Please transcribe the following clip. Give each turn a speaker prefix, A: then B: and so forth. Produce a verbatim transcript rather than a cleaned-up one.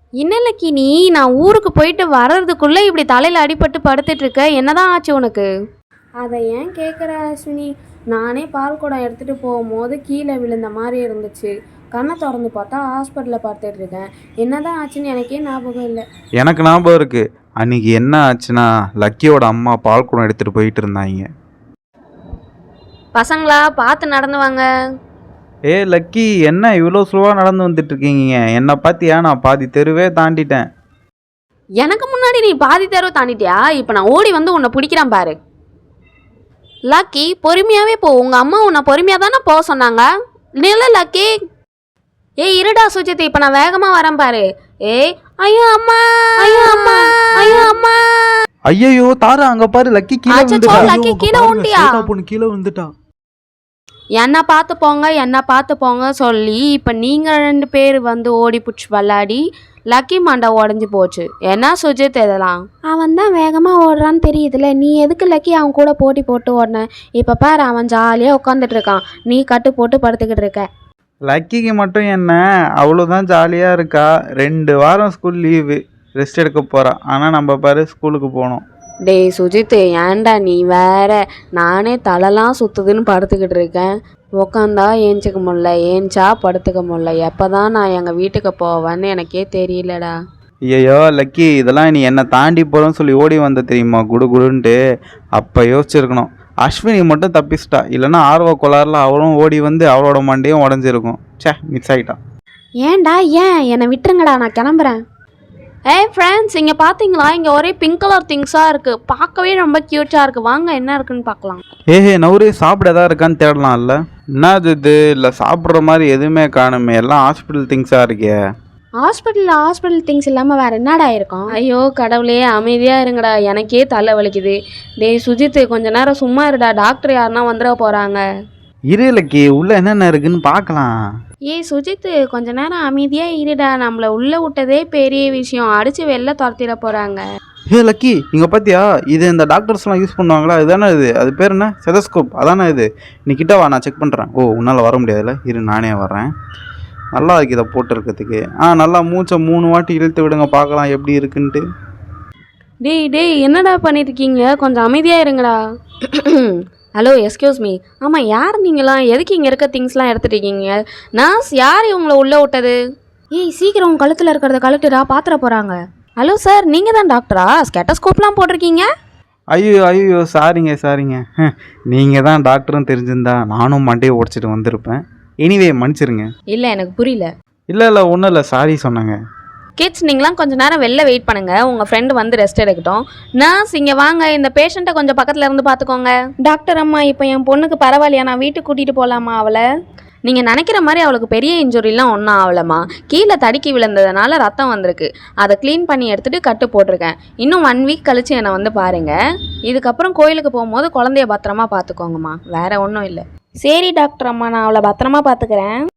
A: இன்னலைக்கு நீ நான் ஊருக்கு போயிட்டு வர்றதுக்குள்ளே இப்படி தலையில் அடிபட்டு படுத்துட்டு இருக்க, என்னதான் ஆச்சு உனக்கு? அதை ஏன் கேட்குற அஸ்வினி? நானே பால் குடம் எடுத்துகிட்டு போகும்போது கீழே விழுந்த மாதிரி இருந்துச்சு. கண்ணை திறந்து பார்த்தா ஹாஸ்பிட்டலில் பார்த்துட்டு இருக்கேன். என்னதான் ஆச்சுன்னு எனக்கே ஞாபகம் இல்லை.
B: எனக்கு ஞாபகம் இருக்கு. அன்னைக்கு என்ன ஆச்சுன்னா, லக்கியோட அம்மா பால் குடம் எடுத்துட்டு போயிட்டு இருந்தாங்க.
A: பசங்களா பார்த்து நடந்து வாங்க.
B: ஏ லக்கி, என்ன இவ்வளோ ஸ்லோவாக நடந்து வந்துட்டு இருக்கீங்க? என்னை பார்த்தியா? நான் பாதி தெருவே தாண்டிட்டேன்.
A: எனக்கு முன்னாடி நீ பாதி தெருவு தாண்டிட்டியா? இப்போ நான் ஓடி வந்து உன்னை பிடிக்கிறேன் பாரு. லக்கி பொறுமையாகவே போ. உங்கள் அம்மா உன்னை பொறுமையாக தானே போக சொன்னாங்க. நில லக்கி. ஏய் இருடா சுஜித், இப்போ நான் வேகமாக வரேன் பாரு. ஏய் ஐயோ அம்மா, ஐயோ அம்மா, ஐயோ அம்மா.
B: ஐயோ தாரா, அங்க பாரு லக்கி கீழே
A: விழுந்துட்டா. லக்கி கீழே விழுந்தியா?
B: பொண்ணு கீழே விழுந்துட்டா.
A: என்ன பார்த்து போங்க, என்ன பார்த்து போங்க சொல்லி இப்போ நீங்கள் ரெண்டு பேர் வந்து ஓடி பிடிச்சி விளாடி லக்கி மண்டை உடஞ்சி போச்சு. என்ன சுஜித் இதெல்லாம்? அவன் தான் வேகமாக ஓடுறான்னு தெரியுதுல்ல, நீ எதுக்கு லக்கி அவன் கூட போட்டி போட்டு ஓடின? இப்போ பாரு அவன் ஜாலியாக உட்காந்துட்டு இருக்கான், நீ கட்டு போட்டு படுத்துக்கிட்டு இருக்க.
B: லக்கிக்கு மட்டும் என்ன, அவ்வளோதான் ஜாலியாக இருக்கா. ரெண்டு வாரம் ஸ்கூல் லீவு, ரெஸ்ட் எடுக்க போகிறா. ஆனால் நம்ம பாரு ஸ்கூலுக்கு போனோம்.
A: டேய் சுஜித், ஏன்டா நீ வேற? நானே தலைலாம் சுற்றுதுன்னு படுத்துக்கிட்டு இருக்கேன். உக்காந்தா ஏஞ்சிக்க முடியல, ஏஞ்சா படுத்துக்க முடியல. எப்போ தான் நான் எங்கள் வீட்டுக்கு போவேன்னு எனக்கே தெரியலடா.
B: ஐயோ லக்கி, இதெல்லாம் நீ என்னை தாண்டி போகிறோன்னு சொல்லி ஓடி வந்த தெரியுமா, குடு குடுன்ட்டு. அப்போ யோசிச்சிருக்கணும். அஸ்வினி மட்டும் தப்பிச்சிட்டா, இல்லைன்னா ஆர்வ கோளாறுல அவளும் ஓடி வந்து அவளோட மண்டையும் உடஞ்சிருக்கும். சே, மிஸ் ஆகிட்டான்.
A: ஏன்டா? ஏன் என்னை விட்டுருங்கடா, நான் கிளம்புறேன். ஏய் ஃப்ரெண்ட்ஸ், இங்கே பார்த்தீங்களா? இங்கே ஒரே பிங்க் கலர் திங்ஸாக இருக்குது, பார்க்கவே ரொம்ப க்யூட்டாக இருக்குது. வாங்க என்ன இருக்குன்னு பார்க்கலாம்.
B: ஏஹே நவுரே, சாப்பிட எதாவது இருக்கான்னு தேடலாம். இல்லை என்னது இது? இல்லை சாப்பிட்ற மாதிரி எதுவுமே காணுமே, எல்லாம் ஹாஸ்பிட்டல் திங்ஸாக இருக்கே.
A: ஹாஸ்பிட்டலில் ஹாஸ்பிட்டல் திங்ஸ் இல்லாமல் வேறு என்னடா இருக்கும்? ஐயோ கடவுளே, அமைதியாக இருங்கடா, எனக்கே தலை வலிக்குது. டேய் சுஜித், கொஞ்ச நேரம் சும்மா இருடா, டாக்டர் யாருன்னா வந்துட போகிறாங்க.
B: இரு லக்கி, உள்ளே என்னென்ன இருக்குன்னு பார்க்கலாம்.
A: ஏய் சுஜித், கொஞ்ச நேரம் அமைதியாக இருடா, நம்மளை உள்ளே விட்டதே பெரிய விஷயம், அடித்து வெளில துரத்திட போகிறாங்க.
B: ஏ லக்கி, இங்கே பார்த்தியா? இது இந்த டாக்டர்ஸ்லாம் யூஸ் பண்ணுவாங்களா? இதுதானே இது? அது பேர் என்ன? ஸ்டெதஸ்கோப் அதானே இது? நீ கிட்ட வா, நான் செக் பண்ணுறேன். ஓ, உன்னால் வர முடியாதுல்ல, இரு நானே வர்றேன். நல்லா இருக்கு இதை போட்டுருக்கிறதுக்கு. ஆ, நல்லா மூச்சை மூணு வாட்டி இழுத்து விடுங்க, பார்க்கலாம் எப்படி இருக்குன்ட்டு.
A: டேய் டேய் என்னடா பண்ணிட்டு இருக்கீங்க? கொஞ்சம் அமைதியாக இருங்கடா. Hello, excuse me. ஆமாம், யார் நீங்களாம்? எதுக்கு இங்கே இருக்க திங்ஸ்லாம் எடுத்துகிட்டு இருக்கீங்க? நர்ஸ், யார் இவங்களை உள்ளே விட்டது? ஏய் சீக்கிரம் உங்கள் கழுத்தில் இருக்கிறத கழுட்டுடா, பாத்திர போகிறாங்க. ஹலோ சார், நீங்கள் தான் டாக்டரா? ஸ்கெட்டஸ்கோப்லாம் போட்டிருக்கீங்க.
B: ஐயோ ஐயோ சாரிங்க சாரிங்க. நீங்கள் தான் டாக்டரும் தெரிஞ்சிருந்தா நானும் மண்டையை உடச்சிட்டு வந்திருப்பேன். எனிவே மன்னிச்சிருங்க.
A: இல்லை எனக்கு புரியல.
B: இல்லை இல்லை ஒன்றும் இல்லை, சாரி சொன்னாங்க.
A: கிட்ஸ், நீங்களாம் கொஞ்சம் நேரம் வெளில வெயிட் பண்ணுங்கள், உங்கள் ஃப்ரெண்டு வந்து ரெஸ்ட் எடுக்கட்டும். நர்ஸ் இங்கே வாங்க, இந்த பேஷண்ட்டை கொஞ்சம் பக்கத்தில் இருந்து பார்த்துக்கோங்க. டாக்டர் அம்மா, இப்போ என் பொண்ணுக்கு பரவாயில்லையா? நான் வீட்டுக்கு கூட்டிகிட்டு போகலாமா அவளை? நீங்கள் நினைக்கிற மாதிரி அவளுக்கு பெரிய இன்ஜுரிலாம் ஒன்றும் ஆகலம்மா. கீழே தடுக்கி விழுந்ததுனால ரத்தம் வந்திருக்கு, அதை க்ளீன் பண்ணி எடுத்துகிட்டு கட்டு போட்டிருக்கேன். இன்னும் ஒன் வீக் கழித்து என்னை வந்து பாருங்கள். இதுக்கப்புறம் கோயிலுக்கு போகும்போது குழந்தைய பத்திரமா பார்த்துக்கோங்கம்மா, வேறு ஒன்றும் இல்லை. சரி டாக்டர் அம்மா, நான் அவளை பத்திரமா பார்த்துக்கிறேன்.